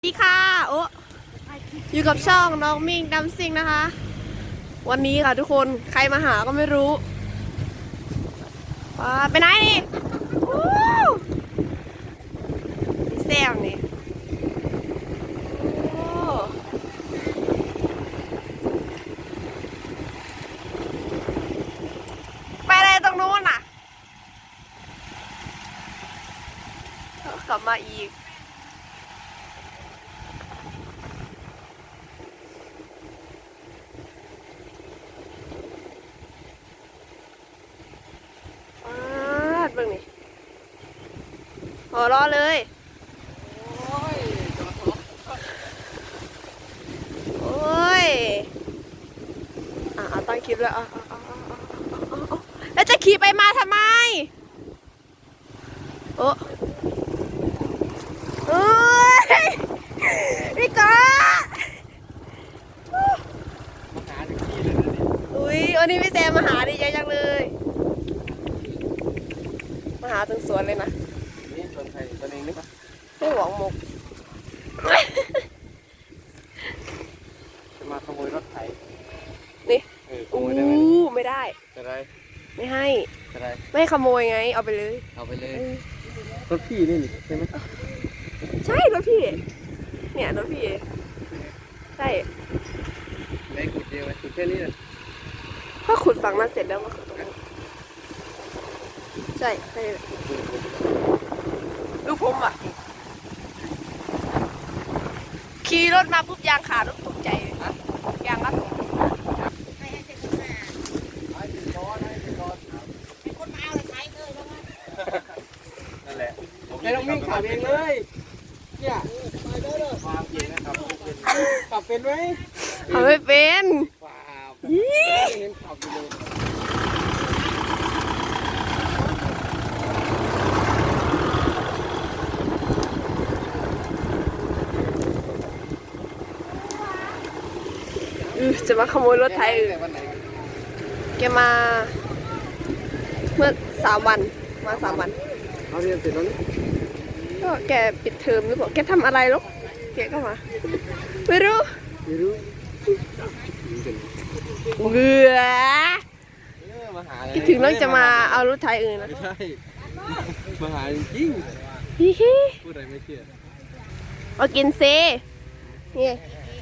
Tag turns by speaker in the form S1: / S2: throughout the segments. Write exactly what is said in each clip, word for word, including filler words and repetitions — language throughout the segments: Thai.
S1: สวัสดีค่ะโอ้อยู่กับช่องน้องมิ่งดัมซิงนะคะวันนี้ค่ะทุกคนใครมาหาก็ไม่รู้ไปไหนนี่แซวนี่ไปอะไรตรงนู้นน่ะกลับมาอีกเบิ่งนี่หัวเราะเลยโอ้ยอ่ะตั้งคลิปแล้วอ่ะแล้วจะขี่ไปมาทำไมโอ้เอ้ยพี่ก๊ออุ้ยวันนี้พี่แซมมาหาดีใจจังเลยมาหาถึงสวนเลยนะ
S2: นี่สวนไทยตัวเองนี่ปะ
S1: ไม่หวังหมก
S2: จะมาขโมยรถไถ
S1: นี่
S2: อู้
S1: ไม่ได้
S2: จะได้
S1: ไม่ให้
S2: จะได้
S1: ไม่ขโมยไงเอาไปเลย
S2: เอาไปเลยรถพี่นี่ใช่ไหม
S1: ใช่รถพี่เนี่ยรถพี่ใช่
S2: ได้ขุดเดียวขุดแค่นี้เลย
S1: ถ้าขุดฝั่งนั้นเสร็จแล้วมาขุดตรงนี้ใช่ใช่ดูผมอ่ะขี่รถมาปุ๊บยางขาดรถตกใจยางรัด
S2: นั่นแหละไม่ต้องวิ่งขับเองเลยเนี่ยความจริงนะครับขับเป็นไหม
S1: ขับไม่เป็น
S2: ว้าวเน้นขับไปเลย
S1: จะมาขโมยรถไถอื่นแกมาเมื่อสามวันมาสามวัน
S2: เขาเรียนเสร็จแล้วนี่
S1: ก็แกปิดเทอมหรือเปล่าแกทำอะไรลูกแกก็มาไม่รู้
S2: ไม่รู้
S1: เบื่อคิดถึงน้องจะมาเอารถไถอื่นนะ
S2: ไม่ใช่มาหาจริงพูดอะไรไม่เชื่อ
S1: เอากินเซนี่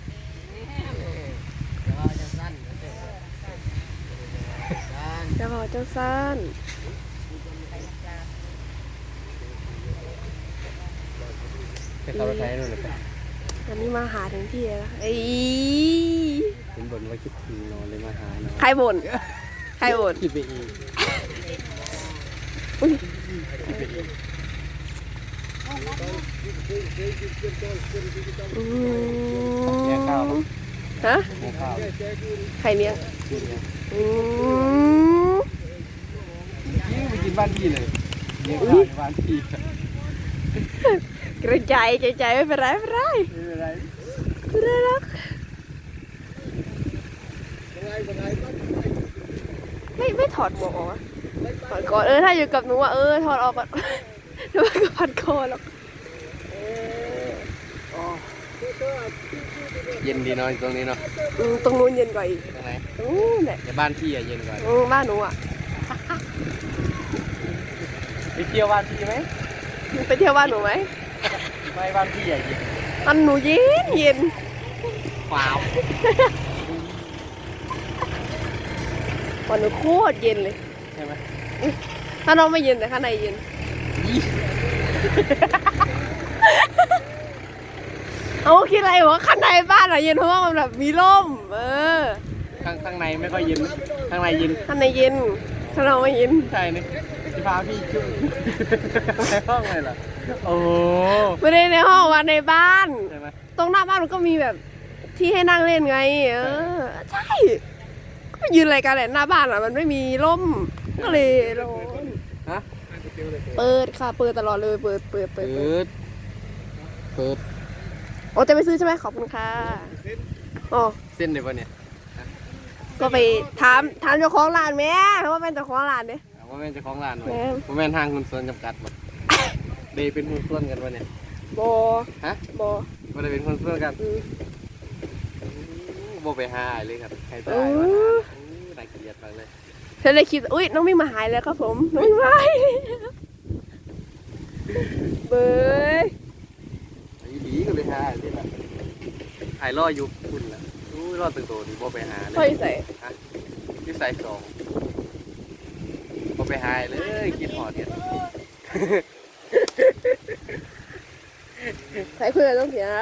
S1: จะพอเจ้าสั้น
S2: ไปขับรถไถนู่นเลย
S1: อันนี้มาหาถึงที่แล้วไอ้
S2: เห็นบ่นว่าคิดถึงนอนเลยมาหาเนาะ
S1: ใครบ่นใครบ่น
S2: คิดไปเอง
S1: อุ้ย
S2: เลี้ยงข้าว
S1: ฮะ
S2: เลี้ยงข้าว
S1: ใครเลี้ยงอืม
S2: ยิ่งไปกินบ้านพี่เลยเลี้ยงข้าวในบ้านพี่
S1: กระจายใจใจไม่เป็นไรไม่เป็นไร
S2: ไม่เป็นไร
S1: ไม่ได้หรอกไม่ไม่ถอดหมวกออกถอดก่อนเออถ้าอยู่กับหนูอ่ะเออถอดออกก่อนเดี๋ยวมันก็พันคอหรอก
S2: เย็นดีเนาะตรงนี้เนาะ
S1: ตรงนู้นเย็นกว่าอีก
S2: ตรงไหน
S1: ตรงนู้นแหละ
S2: แต่บ้านพี่อะเย็นกว่า
S1: บ้านหนูอ่ะ
S2: ไปเที่ยวบ้านพี่ไหม
S1: ไปเที่ยวบ้านหนูไหม
S2: ไม่บ้านพี่อะเย็น
S1: บ้านหนูเย็นเย็น
S2: ว้าว
S1: บ้านหนูโคตรเย็นเลย
S2: ใช่ไหม
S1: ถ้าน้องไม่เย็นแต่ข้างในเย็นเอาคิดอะไรวะข้างในบ้านอะเย็นเพราะว่ามันแบบมีร่มเออ
S2: ข้างข้างในไม่ค่อยเย็นข้างในเย็น
S1: ข้างในเย็นข้างนอกไม่เย็น
S2: ใช่นี่จะพาพี่จุ่มในห้องเลยเหรอโอ้
S1: ไม่ได้ในห้องวันในบ้าน
S2: ใช่ไหม
S1: ตรงหน้าบ้านมันก็มีแบบที่ให้นั่งเล่นไงเออใช่ก็ยืนอะไรกันแหละหน้าบ้านอะมันไม่มีร่มก็เลยร้อน
S2: ฮะ
S1: เปิดค่ะเปิดตลอดเลยเปิดเปิดเปิด
S2: เปิดเปิด
S1: โอ้จะไปซื้อใช่ไหมขอบคุณค่ะอ๋อ
S2: เส้นเดี๋ยวเนี่ย
S1: ก็ไปถามถามเจ้าของร้านแม่ว่าเป็นเจ้าของร้านเนี่ย
S2: ว่าเป็นเจ้าของร้านไหมว่าเป็นทางหุ้นส่วนจำกัดหมดเดย์เป็นหุ้นส่วนกันวะเนี่ย
S1: บอ
S2: ฮะ
S1: บอ
S2: มันจะเป็นคนเพื่อนกัน
S1: อืม
S2: โบไปหาเลยครับใครได้
S1: โอ้
S2: มาน่าเกลียดมากเลย
S1: ฉันเลยคิดอุ้ยน้องมิ่งมาหายแล้วครับผมน้องมิ่งมาหายเบย
S2: ไอ้ดีก็ไปหาที่แบบไอ้รออยู่คุณล่ะอู้รอตึงโตนี่โบไปหาเลย
S1: พ่อยใส่
S2: ที่ใส่สองโบไปหาเลยกินหอดเนี่ย
S1: ใส่เพื่อนต้องเสียละ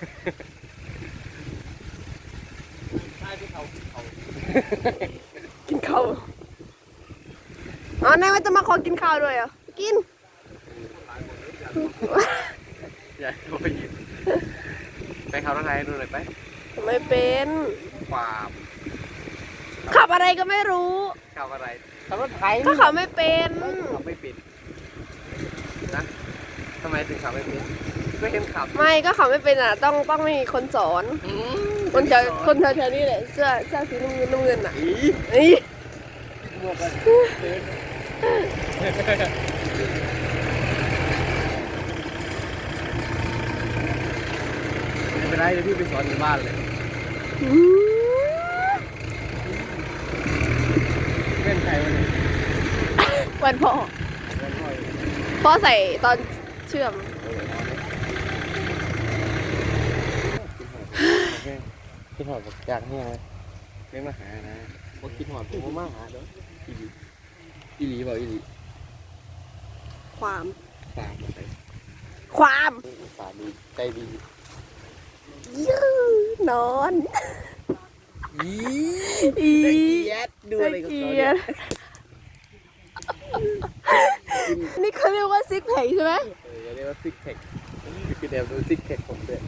S2: ใช่ที่เขาเขา
S1: กินข้าวอ๋อนายว่าจะมาขอกินข้าวด้วยเหรอกิน
S2: อยากไปยินไปเขาทางไหนดูหน่อยไป
S1: ทำไมเป็น
S2: ความ
S1: ขับอะไรก็ไม่รู้
S2: ขับอะไรขับรถไถ
S1: ก็ขับไม่เป็น
S2: ขับไม่เป็นนะทำไมถึงขับไม่เป็นก็เห็นขับ
S1: ไม่ก็ขับไม่เป็นอ่ะต้องต้องมีคนสอนคนแถวคนแถวๆนี้แหละเสื้อเสื้อสีน้ำเงินน้ำเงินอ่ะ
S2: อี
S1: นี่
S2: หมวกกันไม่เป็นไรเดี๋ยวพี่ไปสอนที่บ้านเลย
S1: อืม
S2: เป็นใครวะเนี่ย
S1: วันพ่อ
S2: เป็นพ่อย
S1: พ่อใส่ตอนเชื่อม
S2: คิดหอดจากเนี่ยไม่มาหานะว่าคิดหอดผมมาหาเด้ออีหลีอีหลีบอกอีหลี
S1: ความ
S2: ตามไป
S1: ความ
S2: ตาดีใจดี
S1: ยืนอน
S2: อี
S1: อี
S2: ดดูอะไรกับ
S1: เกี
S2: เขา
S1: ย
S2: เนี่ย
S1: นี่เขาเรียกว่าซิกแพคใช่ไหม
S2: เออเรียกว่าซิกแพคคือแนวดูซิกแพคผมเลย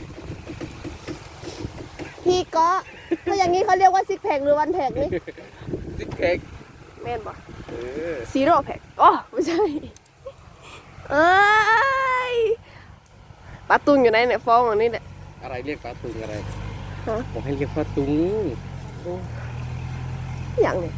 S1: พี่ก็ถ้าอย่างนี้เขาเรียกว่าซิกแพคหรือวันแพคนี่
S2: ซิกแพค
S1: แม่นปะ
S2: เออ
S1: ซีโร่แพคอ๋อไม่ใช่เอ้ยปลาตุงอยู่ไหนเนี่ยฟ้องอันนี้แหละ
S2: อะไรเรียกปลาตุงอะไร
S1: ฮะ
S2: ผมให้เรียกปลาตุงโอ้
S1: อย่างเนี่ย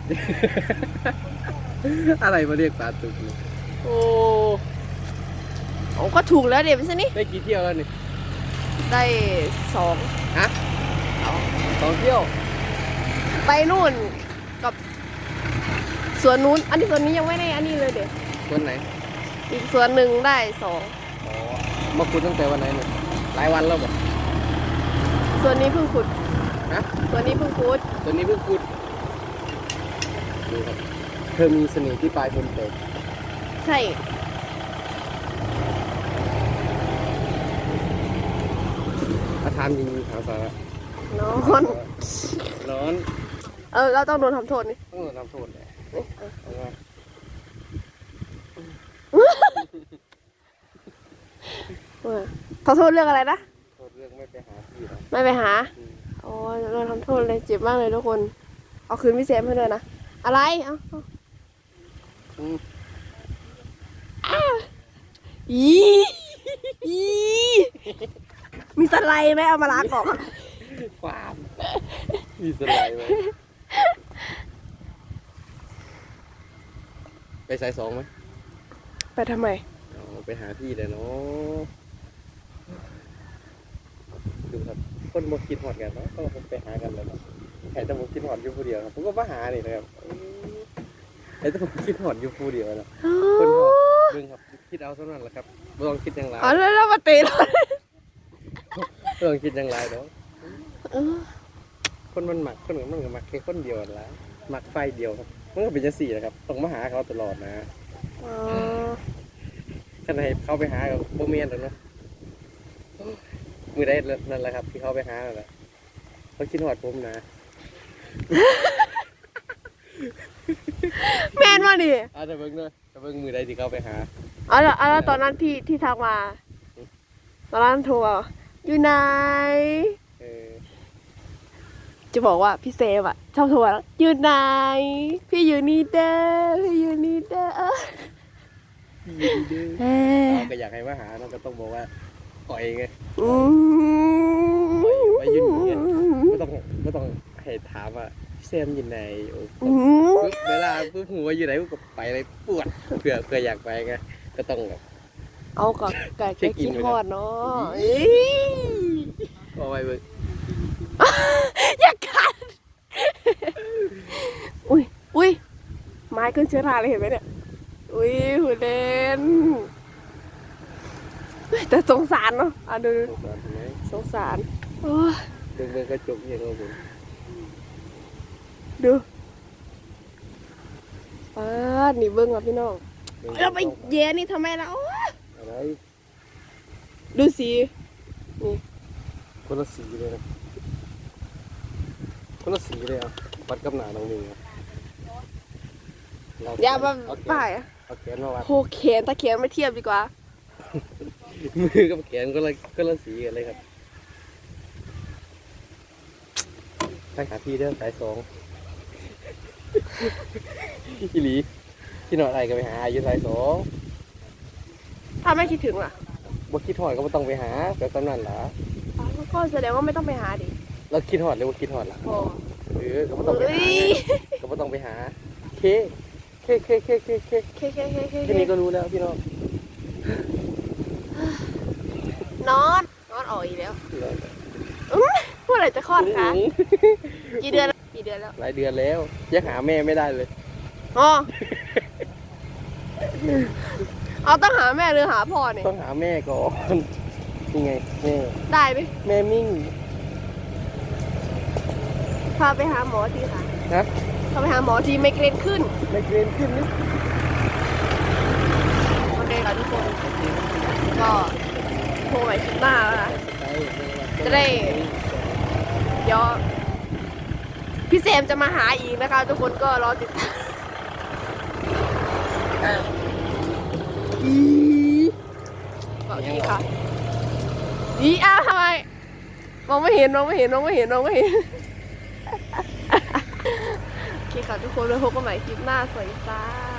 S2: อะไรมาเรียกปลาตุงโอ้
S1: โอ้ก็ถูกแล้วเดี๋ยวไม่ใช่นี่
S2: ได้กี่เที่ยวแล้วนี่
S1: ได้สอง
S2: ฮะสองเที่ยว
S1: ไปนู่นกับสวนนู้นอันนี้สวนนี้ยังไม่ได้อันนี้เลยเดี๋ยว
S2: วันไหน
S1: อีกสวนหนึ่งได้สอง
S2: อ๋อมาขุดตั้งแต่วันไหนเนี่ยหลายวันแล้วบ่
S1: สวนนี้เพิ่งขุด
S2: ฮะ
S1: สวนนี้เพิ่งขุด
S2: ตัวนี้เพิ่งขุดดูครับเธอมีเสน่ห์ที่ปลายคนเตะ
S1: ใช่
S2: อาทามจริงๆถามสาระ
S1: นอน
S2: ร้อน
S1: เออเราต้องโดนทำโทษนี่
S2: ต้องโดนทำโทษเลยเอาไง
S1: เออขอโทษเรื่องอะไรนะ
S2: โทษเรื่องไม่ไปหาพี่นะ
S1: ไม่ไปหา
S2: อืม
S1: โอ้ยโดนทำโทษเลยเจ็บมากเลยทุกคน เอาคืนพี่แซมให้เลยนะ อะไร เอาเอา
S2: อืม
S1: อ้าวอีอีมีสไลด์ไหมเอามาล้างออก
S2: ความมีสไลด์ไหมไปสายสองไหม
S1: ไปทำไม
S2: เอาไปหาพี่เลยเนาะดูครับคนมาคิดหอดกันเนาะก็ไปหากันแล้วเนาะใครจะมาคิดหอดอยู่ผู้เดียวครับผมก็มาหานี่นะครับใครจะมาคิดหอดอยู่ผู้เดียวนะคนหอดเบิ่งครับคิดเอาเท่านั้นแหละครับไม่ต้องคิดอย่างไร
S1: อ๋อแล้วเรามาเตะเรา
S2: ไม่ต้องคิดอย่างไรเนาะ
S1: เออ
S2: คนมันหมักคนมันก็หมักแค่คนเดียวนั่นแหละหมักไฟเดียวครับมันก็เป็นจังสี่นะครับต้องมาหาเขาตลอดนะ
S1: อ๋อ
S2: ท่านให้เขาไปหากับโบเมียนหรอกเนาะมือได้นั่นแหละครับที่เขาไปหานั่นแหละเขาคิดหอดผมนะ
S1: แมนมาดิ
S2: อาจจะเบิ่งเนาะจะเบิ่งมือได้ที่เขาไปหา
S1: อ๋อแล้วอ๋อแล้วตอนนั้นที่ที่ทักมา ตอนนั้นโทรมาอยู่ไหน
S2: เออ
S1: จะบอกว่าพี่เซฟอะชอบโทรมาอยู่ไหน พี่อยู่นี่เด้อพี่อยู่นี่เด้อ
S2: ยินดี
S1: เอ้ย
S2: เราก็อยากให้มาหาเราก็ต้องบอกว่าปล่อยไง
S1: อืม
S2: ไปยืนอยู่เนี่ยไม่ต้องไม่ต้องให้ถามว่าพี่แซมอยู่ไหนโอ้
S1: อืม
S2: ปุ๊บเวลาปุ๊บหัวอยู่ไหนปุ๊บก็ไปเลยปวดเผื่อเผื่ออยากไปไงก็ต้องแบบ
S1: เอากับไก่
S2: เช็
S1: ไก่
S2: คอิ
S1: กิ
S2: น
S1: น
S2: ไว้
S1: ท
S2: ก่
S1: อ
S2: อน
S1: ดเนาะ
S2: อี๋
S1: เอ้ย
S2: เอาไว้เบิ่ง
S1: อย่ากัดอุ้ยอุ้ยไม้ขึ้นเชื้อราเลยเห็นไหมเนี่ยอุ้ยหูเล่นแต่สงสารเนาะอ่ะดู
S2: สงสารไหม
S1: สงสารโอ้ย
S2: เบิ่งเบิ่งกระจกอย่างเราผม
S1: ดูป้าดนี่เบิ้งอ่ะพี่น้อง
S2: บิ่ง
S1: เราไปแย่นี่ทำไมล่ะโอ้ย
S2: อะไร
S1: ดูสีนี่
S2: คนละสีเลยนะคนละสีเลยอ่ะวัดกับหนาน้องนิ่งครับเร
S1: อย่ามา
S2: เแขน
S1: ป่ายอะ
S2: เอาแขนมาวัด
S1: โหแขนตะแขนไม่เทียบดีกว่า
S2: มือกับแขนก็ละก็ละสีกันเลยครับไปหาพี่เด้อสายสองพี่หลีที่นอนอะไรก็ไปหาอยู่สายสอง
S1: ถ้าไม่คิดถึงล่ะ
S2: บ่คิดหอดก็บ่ต้องไปหาแบบตำนั้นล่ะ
S1: อ๋อก็แสดงว่าไม่ต้องไปหาดิ
S2: เราคิดหอดเลยว่าคิดหอดล่ะ
S1: โอ้
S2: เออก็บ่ต้องไป
S1: เอ้
S2: หาย ก็บ่ต้องไปหาเคเคเคเคเคเค
S1: เคเคเคเค
S2: แค่นี้ก็รู้แล้วพี่น้อง
S1: นอนนอนออกอีกแล้วอื้อเมื่อไหร่จะคลอดคะกี่เดือนแล้วกี่เดือนแล้ว
S2: หลายเดือนแล้วยังหาแม่ไม่ได้เลย
S1: อ๋อเอาต้องหาแม่หรือหาพ่อเนี่ย
S2: ต้องหาแม่ก่อนนี่ไงแม่
S1: ได้ไหม
S2: แม่มิ่ง
S1: พาไปหาหมอทีค่ะ
S2: นะ
S1: พาไปหาหมอทีไมเกรนขึ้น
S2: ไม่เกรนขึ้นนี่
S1: โอเคค่ะทุกคน ก็โทรไปคลิปหน้าแล้วค่ะ จะได้ เดี๋ยวพี่เซมจะมาหาอีกนะคะ ทุกคนก็รอติดตามอีบอกทีค่ะอีอ้าวทำไมมองไม่เห็นมองไม่เห็นมองไม่เห็นมองไม่เห็น โอเคค่ะทุกคนแล้วพบกันใหม่คลิปหน้าสวัสดีจ้า